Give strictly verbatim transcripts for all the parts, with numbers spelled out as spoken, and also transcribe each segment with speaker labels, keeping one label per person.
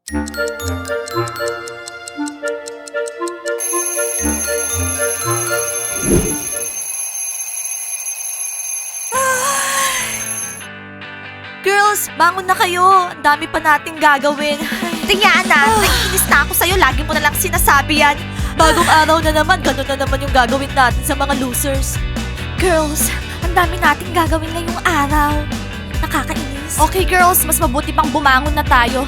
Speaker 1: Girls, bangon na kayo. Ang dami pa nating gagawin. Diana, naiinis na ako sa'yo. Lagi mo na lang sinasabi yan. Bagong araw na naman, ganun na naman yung gagawin natin sa mga losers. Girls, ang dami nating gagawin ngayong araw. Nakakainis. Okay girls, mas mabuti pang bumangon na tayo.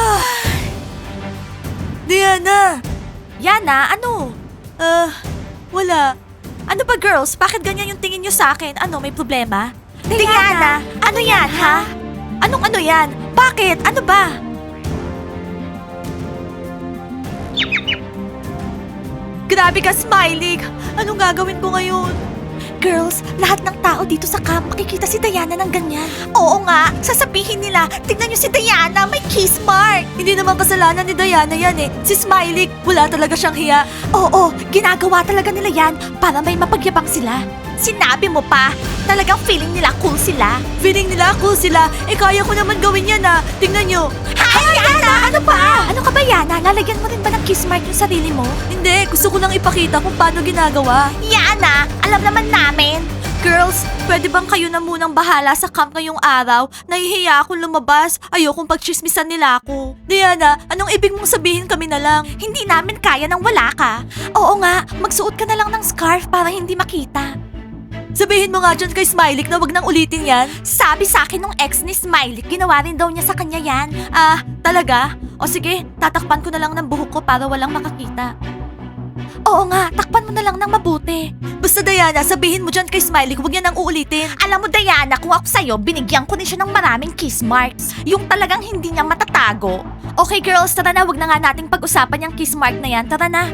Speaker 1: Diana! Yana, ano? Ah, wala. Ano ba girls? Bakit ganyan yung tingin nyo sa akin? Ano, may problema? Diana, ano yan, ha? Anong ano yan? Bakit? Ano ba? Grabe ka, Smiley! Anong gagawin ko ngayon? Girls, lahat ng tao dito sa camp makikita si Diana ng ganyan. Oo nga, sasabihin nila, tingnan niyo si Diana, may kiss mark. Hindi naman kasalanan ni Diana yan eh. Si Smiley, wala talaga siyang hiya. Oo, ginagawa talaga nila yan para may mapagyabang sila. Sinabi mo pa, talagang feeling nila cool sila. Feeling nila cool sila? Eh kaya ko naman gawin yan ah. Tingnan nyo. Hi, Yana! Ano pa? Ano ka ba, Yana? Lalagyan mo rin ba ng kiss mark yung sarili mo? Hindi, gusto ko lang ipakita kung paano ginagawa. Yana, alam naman namin. Girls, pwede bang kayo na munang bahala sa camp ngayong araw? Nahihiya akong lumabas. Ayokong pagchismisan nila ako. Diana, anong ibig mong sabihin kami na lang? Hindi namin kaya nang wala ka. Oo nga, magsuot ka na lang ng scarf para hindi makita. Sabihin mo nga dyan kay Smiley na wag nang ulitin yan. Sabi sa akin nung ex ni Smiley, ginawa rin daw niya sa kanya yan. Ah, talaga? O sige, tatakpan ko na lang ng buhok ko para walang makakita. Oo nga, takpan mo na lang ng mabuti. Basta Diana, sabihin mo dyan kay Smiley, huwag niya nang uulitin. Alam mo Diana, kung ako sa'yo, binigyan ko din siya ng maraming kiss marks. Yung talagang hindi niya matatago. Okay girls, tara na, wag na nga nating pag-usapan yung kiss mark na yan. Tara na.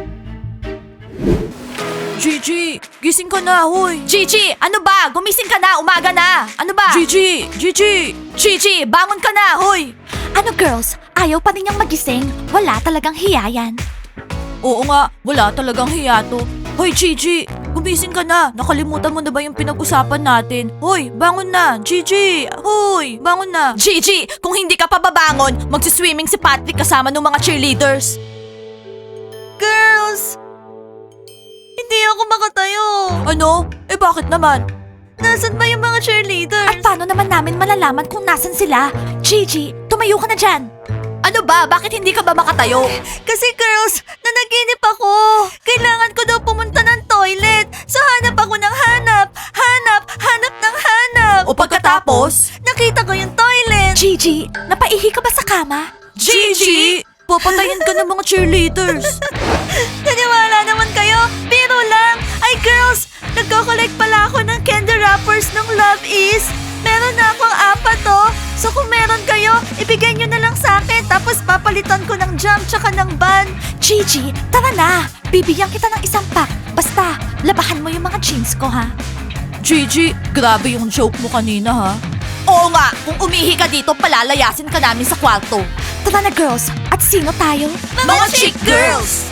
Speaker 1: Gigi, gising ka na, hoy. Gigi, ano ba? Gumising ka na, umaga na. Ano ba? Gigi, Gigi. Gigi, bangon ka na, hoy. Ano girls, ayaw pa rin niyang magising? Wala talagang hiya yan. Oo nga, wala talagang hiya to. Hoy Gigi, gumising ka na. Nakalimutan mo na ba yung pinag-usapan natin? Hoy, bangon na. Gigi, hoy, bangon na. Gigi, kung hindi ka pa babangon, magsiswimming si Patrick kasama ng mga cheerleaders. Girls! Hindi ako makatayo. Ano? Eh bakit naman? Nasaan ba yung mga cheerleaders? At paano naman namin malalaman kung nasan sila? Gigi, tumayo ka na dyan. Ano ba? Bakit hindi ka ba makatayo? Kasi girls, nanaginip ako. Kailangan ko daw pumunta ng toilet. So hanap ako ng hanap. Hanap, hanap ng hanap. O pagkatapos? Nakita ko yung toilet. Gigi, napaihi ka ba sa kama? Gigi! Papatayin ka ng mga cheerleaders. Naniwala naman kayo? Biro lang. Ay girls, nagko-collect pala ako ng candy wrappers ng Love Is. Meron na akong apat oh. So kung meron kayo, ibigay nyo na lang sa akin. Tapos papalitan ko ng jam tsaka ng bun. Gigi, tara na. Bibigyan kita ng isang pack. Basta, labahan mo yung mga jeans ko ha. Gigi, grabe yung joke mo kanina ha. Oo nga, kung umihi ka dito, palalayasin ka namin sa kwarto. Tara na girls, at sino tayo? Mga, chick girls!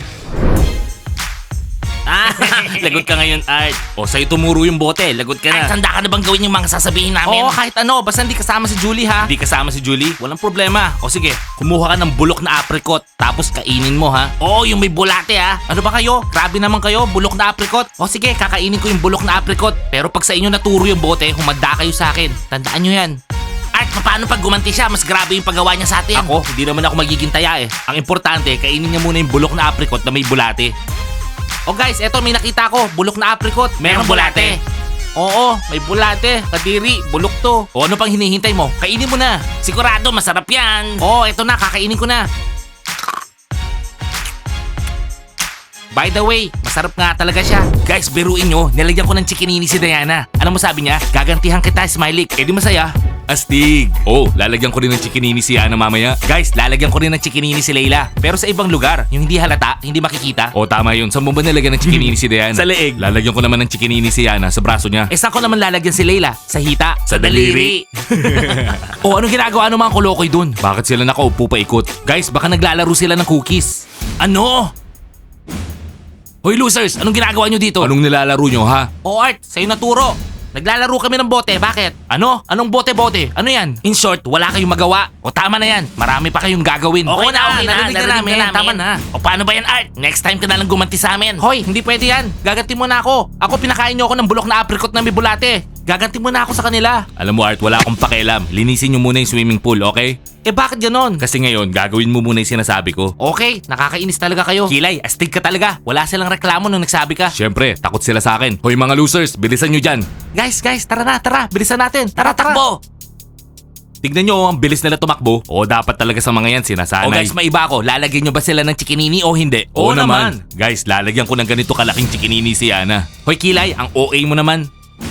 Speaker 2: Ah, lagot ka ngayon, Art. O, sa'yo tumuro yung bote. Lagot ka na.
Speaker 3: Art, handa ka na bang gawin yung mga sasabihin namin?
Speaker 2: Oo, kahit ano. Basta hindi kasama si Julie, ha? Hindi kasama si Julie? Walang problema. O sige, kumuha ka ng bulok na apricot. Tapos kainin mo, ha?
Speaker 3: Oo, yung may bulate ha.
Speaker 2: Ano ba kayo? Grabe naman kayo. Bulok na apricot. O sige, kakainin ko yung bulok na apricot. Pero pag sa inyo naturo yung bote, humanda kayo sa akin. Tandaan nyo yan.
Speaker 3: Art, paano pag gumanti siya? Mas grabe yung paggawa niya sa atin.
Speaker 2: Ako, hindi naman ako magiging taya eh. Ang importante, kainin niya muna yung bulok na apricot na may bulate. O guys, eto may nakita ko, bulok na apricot.
Speaker 3: Merong bulate.
Speaker 2: Oo, may bulate. Kadiri, bulok to. O ano pang hinihintay mo? Kainin mo na.
Speaker 3: Sigurado, masarap yan.
Speaker 2: Oo, eto na, kakainin ko na. By the way, masarap nga talaga siya. Guys, biruin nyo, nilagyan ko ng chikinini si Diana. Ano mo sabi niya? Gagantihan kita, Smiley. Eh di masaya. Astig! Oh, lalagyan ko rin ng chikinini si Yana mamaya. Guys, lalagyan ko rin ng chikinini si Layla. Pero sa ibang lugar, yung hindi halata, hindi makikita. Oh, tama yun. Saan mo ba nilagyan ng chikinini si Diana? Sa leeg. Lalagyan ko naman ng chikinini si Yana sa braso niya. Eh, saan ko naman lalagyan si Layla? Sa hita. Sa daliri. Oh, anong ginagawa ng mga kolokoy dun? Bakit sila nakaupo pa ikot? Guys, baka naglalaro sila ng cookies.
Speaker 3: Ano?
Speaker 2: Hoy losers, anong ginagawa nyo dito? Anong nilalaro nyo ha?
Speaker 3: O Art, sa'yo naturo.
Speaker 2: Naglalaro kami ng bote, bakit? Ano? Anong bote-bote? Ano yan? In short, wala kayong magawa. O tama na yan, marami pa kayong gagawin.
Speaker 3: Okay
Speaker 2: Oo
Speaker 3: na, okay na,
Speaker 2: narinig
Speaker 3: narinig na namin.
Speaker 2: Tama na.
Speaker 3: O paano ba yan, Art? Next time ka na lang gumanti sa amin.
Speaker 2: Hoy, hindi pwede yan. Gaganti mo na ako. Ako pinakain niyo ako ng bulok na apricot na may bulate. Gaganti mo na ako sa kanila. Alam mo Art, wala akong pakialam. Linisin niyo muna yung swimming pool, okay? Eh bakit ganon? Kasi ngayon, gagawin mo muna yung sinasabi ko. Okay, nakakainis talaga kayo. Kilay, astig ka talaga. Wala silang reklamo nung nagsabi ka. Siyempre, takot sila sa akin. Hoy mga losers, bilisan nyo dyan. Guys, guys, tara na, tara. Bilisan natin. Tara, tara.
Speaker 3: Takbo!
Speaker 2: Tignan nyo, ang bilis nila tumakbo. O dapat talaga sa mga yan, sinasanay.
Speaker 3: O guys, maiba ako. Lalagyan nyo ba sila ng chikinini o hindi?
Speaker 2: Oo naman. Guys, lalagyan ko ng ganito kalaking chikinini si Yana. Hoy Kilay, ang O A mo naman.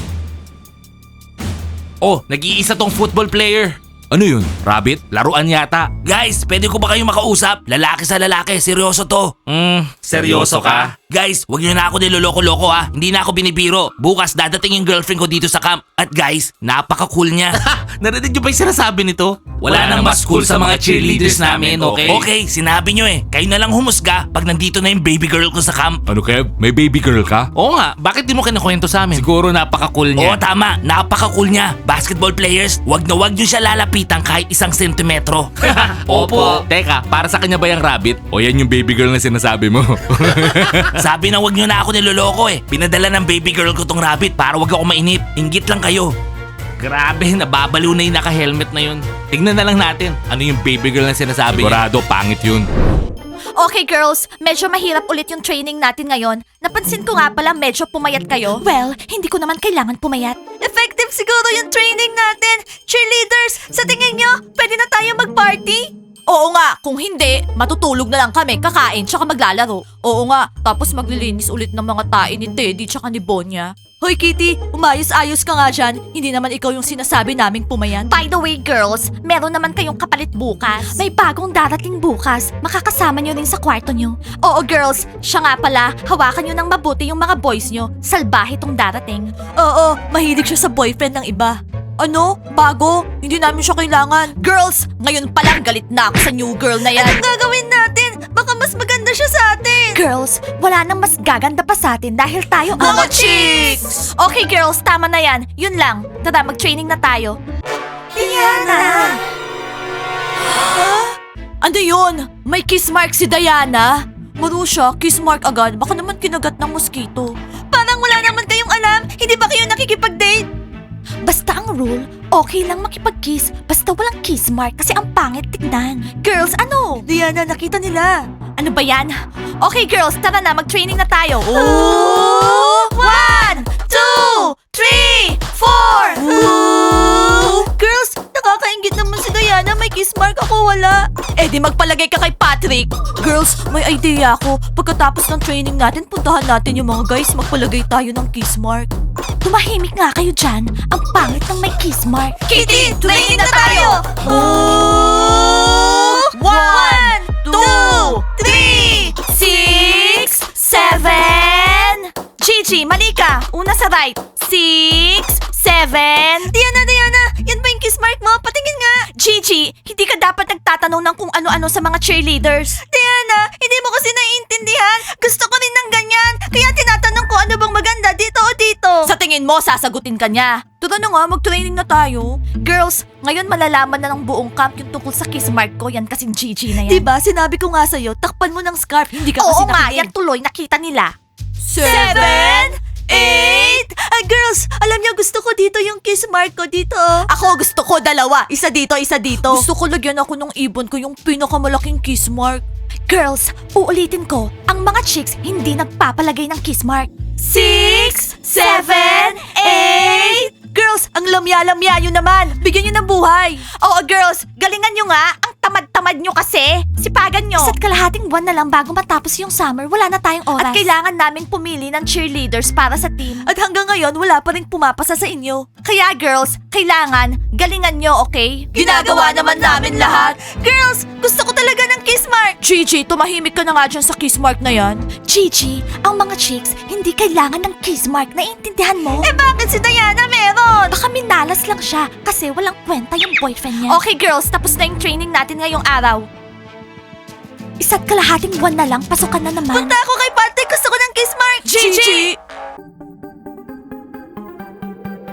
Speaker 2: Oh, nag-iisa tong football player. Ano yun? Rabbit? Laruan yata.
Speaker 3: Guys, pwede ko ba kayong makausap? Lalaki sa lalaki, seryoso to.
Speaker 2: Hmm, seryoso ka?
Speaker 3: Guys, wag niyo na ako niloloko-loko ha. Hindi na ako binibiro. Bukas dadating yung girlfriend ko dito sa camp. At guys, napaka-cool niya.
Speaker 2: Narinig nyo ba yung sinasabi nito?
Speaker 3: Wala nang mas cool sa mga cheerleaders namin, okay? Okay, sinabi nyo eh. Kayo na lang humusga pag nandito na yung baby girl ko sa camp.
Speaker 2: Ano Kev? May baby girl ka? Oo nga, bakit di mo kinakwento sa amin? Siguro napaka-cool
Speaker 3: Oo,
Speaker 2: niya.
Speaker 3: tama. Napaka-cool niya. Basketball players, wag na wag nyo siya lalapitan kahit isang sentimetro.
Speaker 2: Opo. Teka, para sa kanya ba yung rabbit? O yan yung baby girl na sinasabi mo?
Speaker 3: Sabi na wag nyo na ako niloloko eh. Pinadala ng baby girl ko tong rabbit para wag ako mainip. Inggit lang kayo.
Speaker 2: Grabe, nababaliw na yung naka-helmet na yun. Tignan na lang natin, ano yung baby girl na sinasabi niya. Sigurado, pangit yun.
Speaker 1: Okay girls, medyo mahirap ulit yung training natin ngayon. Napansin ko nga pala medyo pumayat kayo. Well, hindi ko naman kailangan pumayat. Effective siguro yung training natin. Cheerleaders, sa tingin nyo, pwede na tayo mag-party? Oo nga, kung hindi, matutulog na lang kami, kakain, tsaka maglalaro. Oo nga, tapos maglilinis ulit ng mga tae ni Teddy tsaka ni Bonya. Hoy Kitty, umayos-ayos ka nga dyan. Hindi naman ikaw yung sinasabi naming pumayan. By the way girls, meron naman kayong kapalit bukas. May bagong darating bukas. Makakasama nyo rin sa kwarto nyo. Oo girls, siya nga pala, hawakan nyo ng mabuti yung mga boys nyo. Salbahe tong darating. Oo, mahilig siya sa boyfriend ng iba. Ano? Bago? Hindi namin siya kailangan. Girls, ngayon pa lang galit na ako sa new girl na yan. Anong gagawin natin? Baka mas maganda siya sa atin. Girls, wala nang mas gaganda pa sa atin dahil tayo ang
Speaker 3: Mga chicks!
Speaker 1: Okay girls, tama na yan. Yun lang. Tara, mag-training na tayo. Diana! Ano yun? May kiss mark si Diana? Marusha, kiss mark agad. Baka naman kinagat ng mosquito. Parang wala naman kayong alam. Hindi ba kayo nakikipag-date? Basta ang rule, okay lang makipag-kiss basta walang kiss mark kasi ang pangit tignan. Girls, ano? Diana, nakita nila. Ano ba yan? Okay girls, tara na, mag-training na tayo. Ooh! One, two, three, four! Ooh! Girls, nakakaingit naman si Diana, may kiss mark ako wala. Eh di magpalagay ka kay Patrick. Girls, may idea ako. Pagkatapos ng training natin, puntahan natin yung mga guys, magpalagay tayo ng kiss mark. Tumahimik nga kayo dyan. Ang pangit ng may kiss mark. Kitty, training na tayo! Ooh! One, two, three, six, seven. Gigi, mali ka. Una sa right. Six, seven. Diana, Diana, yan ba yung kiss mark mo? Patingin nga. Gigi, hindi ka dapat nagtatanong ng kung ano-ano sa mga cheerleaders. Diana, hindi mo kasi naiintindihan. Gusto ko rin ng ganyan. Kaya tinatanong ko ano bang maganda dito o dito. Sa tingin mo, sasagutin ka niya. Tara na nga, mag-training na tayo. Girls, ngayon malalaman na ng buong camp yung tungkol sa kiss mark ko. Yan kasing Gigi na yan. Diba, sinabi ko nga sa'yo, takpan mo ng scarf. Hindi ka kasi
Speaker 4: Oo nga,
Speaker 1: nakinig.
Speaker 4: yan tuloy, nakita nila.
Speaker 1: Seven, eight. Ah, girls, alam niyo gusto ko dito yung kiss mark ko dito. Ako gusto ko dalawa. Isa dito, isa dito. Gusto ko lagyan ako ng ibon ko yung pinakamalaking kiss mark. Girls, uulitin ko, ang mga chicks hindi nagpapalagay ng kiss mark. Six, seven, eight. Girls, ang lamya-lamya nyo naman. Bigyan nyo ng buhay. Oo, girls, galingan nyo nga. Ang tamad-tamad nyo kasi. Sipagan nyo. Isa't kalahating buwan na lang bago matapos yung summer. Wala na tayong oras. At kailangan naming pumili ng cheerleaders para sa team. At hanggang ngayon, wala pa rin pumapasa sa inyo. Kaya girls, kailangan, galingan nyo, okay? Ginagawa naman namin lahat. Girls, gusto ko talaga ng kiss mark. Gigi, tumahimik ka na nga dyan sa kiss mark na yan. Gigi, ang mga chicks, hindi kailangan ng kiss mark. Naiintindihan mo? Eh bakit si Diana meron? Baka minalas lang siya kasi walang kwenta yung boyfriend niya. Okay girls, tapos na yung training natin ngayong araw. Isa't kalahating buwan na lang, pasukan na naman. Punta ako kay Patrick, gusto ko ng kiss mark. Gigi!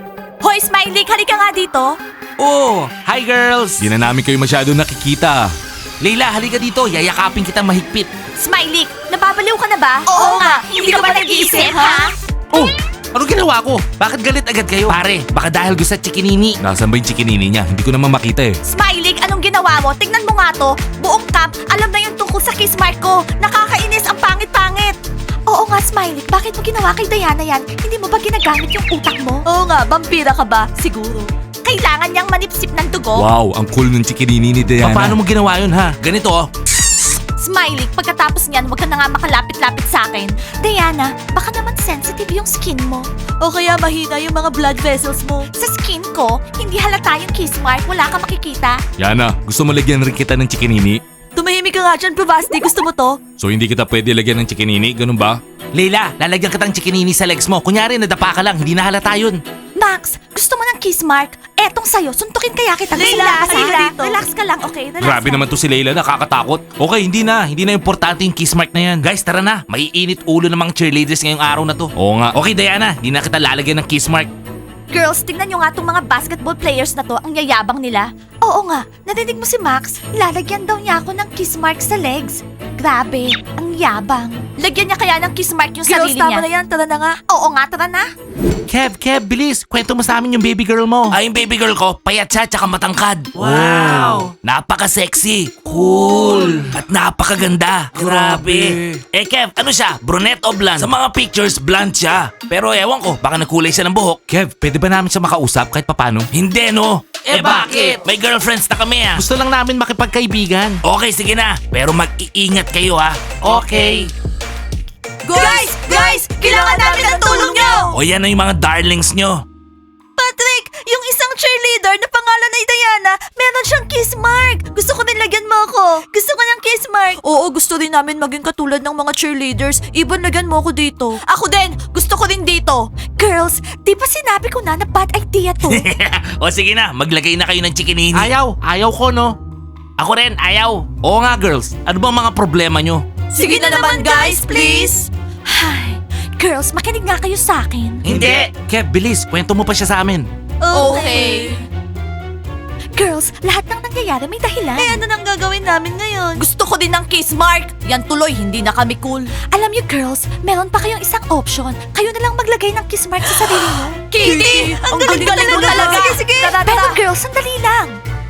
Speaker 1: Hoy, Smiley, halika nga dito.
Speaker 2: Oh, hi girls! Di na namin kayo masyado nakikita. Leila, halika dito. Yayakapin kita mahigpit.
Speaker 1: Smiley, nababaliw ka na ba? Oo nga, hindi ka ba nag-iisip, ha?
Speaker 2: Oh, ano ginawa ko? Bakit galit agad kayo? Pare, baka dahil gusto sa chikinini. Nasaan ba yung chikinini niya? Hindi ko naman makita eh.
Speaker 1: Smiley, anong ginawa mo? Tingnan mo nga to. Buong camp, alam na yung tungkol sa kiss mark ko. Nakakainis, ang pangit-pangit. Oo nga, Smiley. Bakit mo ginawa kay Diana yan? Hindi mo ba ginagamit yung utak mo? Oo nga, vampira ka ba? Siguro. Kailangan niyang manipsip ng dugo?
Speaker 2: Wow, ang cool ng chikinini ni Diana. Paano mo ginawa yun ha? Ganito oh.
Speaker 1: Smiley, pagkatapos niyan, huwag ka na nga makalapit-lapit sa akin. Diana, baka naman sensitive yung skin mo. O kaya mahina yung mga blood vessels mo. Sa skin ko, hindi halata yung kiss mark. Wala ka makikita.
Speaker 2: Yana, gusto mo lagyan rin kita ng chikinini?
Speaker 1: Tumahimik ka nga dyan, Provasti. Gusto mo to?
Speaker 2: So hindi kita pwede lagyan ng chikinini? Ganun ba? Leila, lalagyan kitang chikinini sa legs mo. Kunyari, nadapa ka lang. Hindi na halata yun.
Speaker 1: Max, gusto mo ng kiss mark? Etong sa'yo, suntukin kaya kita.
Speaker 4: Leila,
Speaker 1: Gusto mo
Speaker 4: halika
Speaker 1: ba?
Speaker 4: dito.
Speaker 1: Relax ka lang, okay? Relax
Speaker 2: Grabe
Speaker 1: lang.
Speaker 2: naman to si Leila, nakakatakot. Okay, hindi na. Hindi na importante yung kiss mark na yan. Guys, tara na. Maiinit ulo ng mga cheerleaders ngayong araw na to. Oo nga. Okay, Diana. Hindi na kita lalagyan ng kiss mark.
Speaker 1: Girls, tignan nyo nga tong mga basketball players na to, ang yayabang nila. Oo nga, narinig mo si Max? Lalagyan daw niya ako ng kiss mark sa legs. Grabe, ang yabang. Lagyan niya kaya ng kiss mark yung
Speaker 4: Girls,
Speaker 1: sarili
Speaker 4: tama
Speaker 1: niya.
Speaker 4: na yan. Tara na nga.
Speaker 1: Oo nga, tara na.
Speaker 2: Kev, Kev, bilis. Kwento mo sa amin yung baby girl mo.
Speaker 3: Ay, yung baby girl ko, payat siya tsaka matangkad.
Speaker 2: Wow.
Speaker 3: Napaka-sexy. Cool. At napakaganda. Grabe. Eh, Kev, ano siya? Brunette o blonde? Sa mga pictures, blonde siya. Pero ewan ko, baka nagkulay siya ng buhok.
Speaker 2: Kev, pwede ba namin siya makausap kahit papano?
Speaker 3: Hindi, no? Eh, bakit? May girlfriends na kami, ah.
Speaker 2: Gusto lang namin makipagkaibigan.
Speaker 3: Okay, sige na. Pero mag-iingat kayo, ha? Okay.
Speaker 4: Guys! Guys! Kailangan namin ng tulong nyo!
Speaker 3: O yan na yung mga darlings nyo.
Speaker 4: Patrick! Yung isang cheerleader na pangalan ay Diana, meron siyang kiss mark. Gusto ko din lagyan mo ako. Gusto ko ng kiss mark. Oo, gusto rin namin maging katulad ng mga cheerleaders. Ibon, lagyan mo ako dito.
Speaker 1: Ako din, gusto ko din dito. Girls, di ba sinabi ko na na bad idea to?
Speaker 3: O sige na, maglagay na kayo ng chikinini.
Speaker 2: Ayaw. Ayaw ko, no?
Speaker 3: Ako rin, ayaw.
Speaker 2: Oo nga, girls. Ano bang mga problema nyo?
Speaker 4: Sige na naman guys, please.
Speaker 1: Ay, girls, makinig nga kayo sa akin.
Speaker 3: Hindi.
Speaker 2: Kev, bilis. Kwento mo pa siya sa amin.
Speaker 4: Okay.
Speaker 1: Girls, lahat ng nangyayari may dahilan.
Speaker 4: Eh ano nang gagawin namin ngayon?
Speaker 1: Gusto ko din ng kiss mark. Yan tuloy, hindi na kami cool. Alam niyo girls, meron pa kayong isang option. Kayo na lang maglagay ng kiss mark sa sarili niyo.
Speaker 4: Kitty! Ang galing-galing mo talaga! Sige, sige! Tara,
Speaker 1: Pero
Speaker 4: tara!
Speaker 1: girls, sandali lang.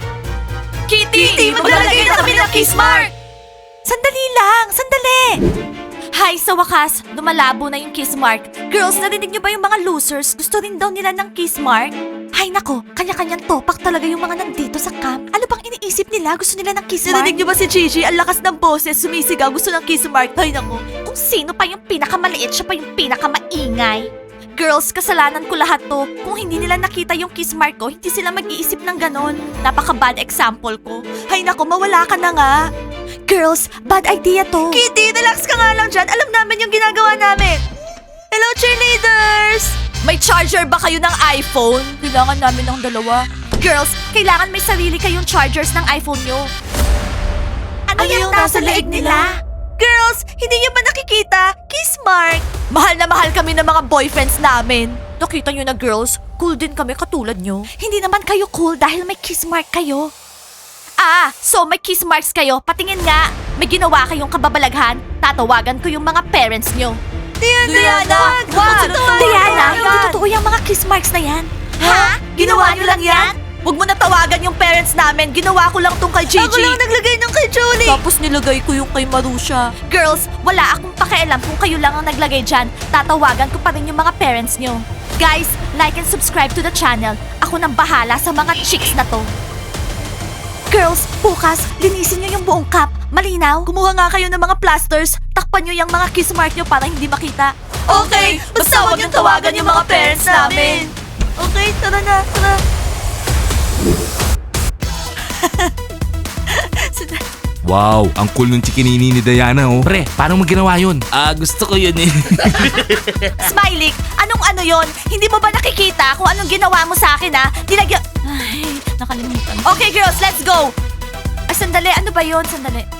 Speaker 4: Kitty! Maglalagay na kami ng kiss mark!
Speaker 1: Sandali lang, sandali. Hay, sa wakas, lumalabo na yung kiss mark. Girls, narinig niyo ba yung mga losers? Gusto rin daw nila ng kiss mark? Hay nako, kanya-kanyang topak talaga yung mga nandito sa camp. Ano bang iniisip nila? Gusto nila ng kiss mark?
Speaker 4: Narinig niyo ba si Gigi? Ang lakas ng boses, sumisigaw, gusto ng kiss mark. Ay nako.
Speaker 1: Kung sino pa yung pinakamaliit, siya pa yung pinakamaingay. Girls, kasalanan ko lahat to. Kung hindi nila nakita yung kiss mark ko, hindi sila mag-iisip ng ganon. Napaka-bad example ko.
Speaker 4: Ay nako, mawala ka na nga.
Speaker 1: Girls, bad idea to.
Speaker 4: Kitty, relax ka nga lang dyan. Alam namin yung ginagawa namin. Hello, cheerleaders!
Speaker 1: May charger ba kayo ng iPhone? Kailangan namin ng dalawa. Girls, kailangan may sarili kayong chargers ng iPhone nyo. Ano,
Speaker 4: Ano
Speaker 1: yung
Speaker 4: yung
Speaker 1: nasa
Speaker 4: nasa
Speaker 1: leeg
Speaker 4: leeg
Speaker 1: nila?
Speaker 4: Girls, hindi niyo ba nakikita? Kiss mark!
Speaker 1: Mahal na mahal kami ng mga boyfriends namin. Nakita nyo na girls, cool din kami katulad nyo. Hindi naman kayo cool dahil may kiss mark kayo. Ah, so may kiss marks kayo. Patingin nga. May ginawa kayong kababalaghan. Tatawagan ko yung mga parents nyo.
Speaker 4: Diana, Diana!
Speaker 1: Wag!
Speaker 4: Wag!
Speaker 1: Diana,
Speaker 4: Wag!
Speaker 1: hindi totoo yung mga kiss marks na yan.
Speaker 4: Ha? Ginawa niyo lang yan?
Speaker 1: Huwag mo na tawagan yung parents namin. Ginawa ko lang tong kay Gigi.
Speaker 4: Ako lang naglagay ng kay Julie!
Speaker 1: Tapos nilagay ko yung kay Marusha. Girls, wala akong pakialam kung kayo lang ang naglagay dyan. Tatawagan ko pa rin yung mga parents nyo. Guys, like and subscribe to the channel. Ako nang bahala sa mga chicks na to. Girls, bukas, linisin nyo yung buong cup. Malinaw?
Speaker 4: Kumuha nga kayo ng mga plasters.
Speaker 1: Takpan nyo yung mga kiss mark nyo para hindi makita.
Speaker 4: Okay, basta huwag niyong tawagan yung mga parents namin. Okay, tara na, tara.
Speaker 2: Wow, ang cool ng chikinini ni Diana, oh.
Speaker 3: Pre, paano mo ginawa yun? Ah, gusto ko yun eh.
Speaker 1: Smiley, anong ano yon? Hindi mo ba nakikita kung anong ginawa mo sa akin, ha? Nilagyan... Ay, nakalimutan. Okay, girls, let's go! Ay, sandali. Ano ba yon? Sandali.